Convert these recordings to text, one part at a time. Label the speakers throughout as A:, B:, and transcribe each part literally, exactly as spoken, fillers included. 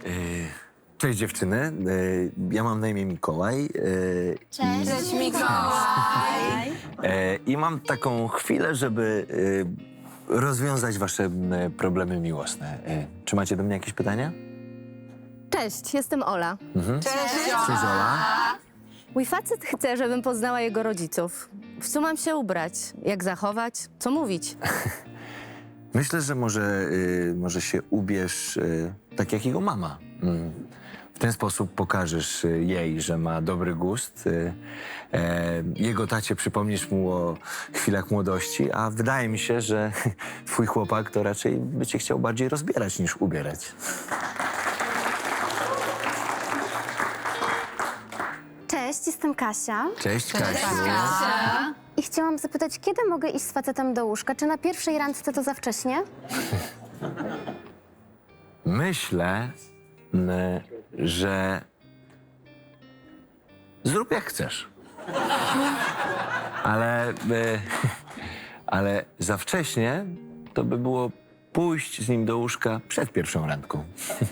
A: Cześć dziewczyny, ja mam na imię Mikołaj.
B: Cześć, Cześć Mikołaj!
A: I mam taką chwilę, żeby rozwiązać wasze problemy miłosne. Czy macie do mnie jakieś pytania?
C: Cześć, jestem Ola.
A: Mhm.
B: Cześć,
A: Cześć Ola.
C: Mój facet chce, żebym poznała jego rodziców. W co mam się ubrać? Jak zachować? Co mówić?
A: Myślę, że może, y, może się ubierz y, tak jak jego mama. Mm. W ten sposób pokażesz y, jej, że ma dobry gust. Y, e, jego tacie przypomnisz mu o chwilach młodości, a wydaje mi się, że twój chłopak to raczej by cię chciał bardziej rozbierać niż ubierać.
D: Cześć, jestem Kasia
A: Cześć, Kasiu.
D: i chciałam zapytać, kiedy mogę iść z facetem do łóżka? Czy na pierwszej randce to za wcześnie?
A: Myślę, m, że zrób jak chcesz. Ale, e, ale za wcześnie to by było pójść z nim do łóżka przed pierwszą randką.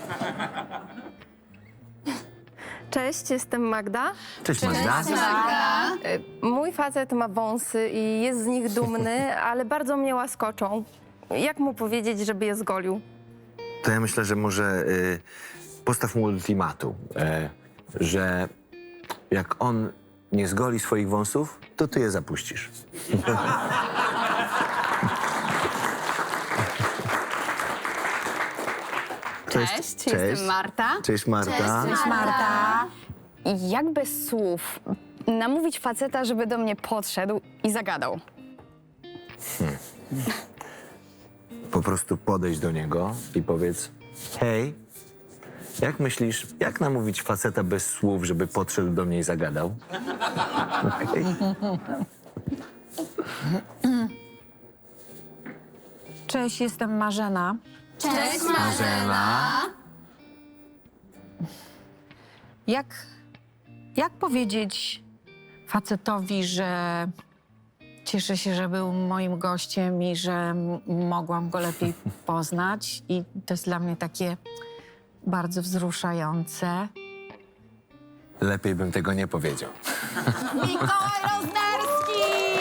E: Cześć, jestem Magda.
A: Cześć, Magda.
E: Y, Mój facet ma wąsy i jest z nich dumny, ale bardzo mnie łaskoczą. Jak mu powiedzieć, żeby je zgolił?
A: To ja myślę, że może y, postaw mu ultimatum, y, że jak on nie zgoli swoich wąsów, to ty je zapuścisz.
B: Cześć, jestem Marta.
A: Cześć Marta.
B: Cześć Marta.
F: I jak bez słów namówić faceta, żeby do mnie podszedł i zagadał?
A: Po prostu podejdź do niego i powiedz: hej, jak myślisz, jak namówić faceta bez słów, żeby podszedł do mnie i zagadał? Okay.
G: Cześć, jestem Marzena.
B: Cześć
A: Marzena.
G: Jak, jak powiedzieć facetowi, że cieszę się, że był moim gościem i że m- mogłam go lepiej poznać i to jest dla mnie takie bardzo wzruszające.
A: Lepiej bym tego nie powiedział.
B: Mikołaj Roznerski!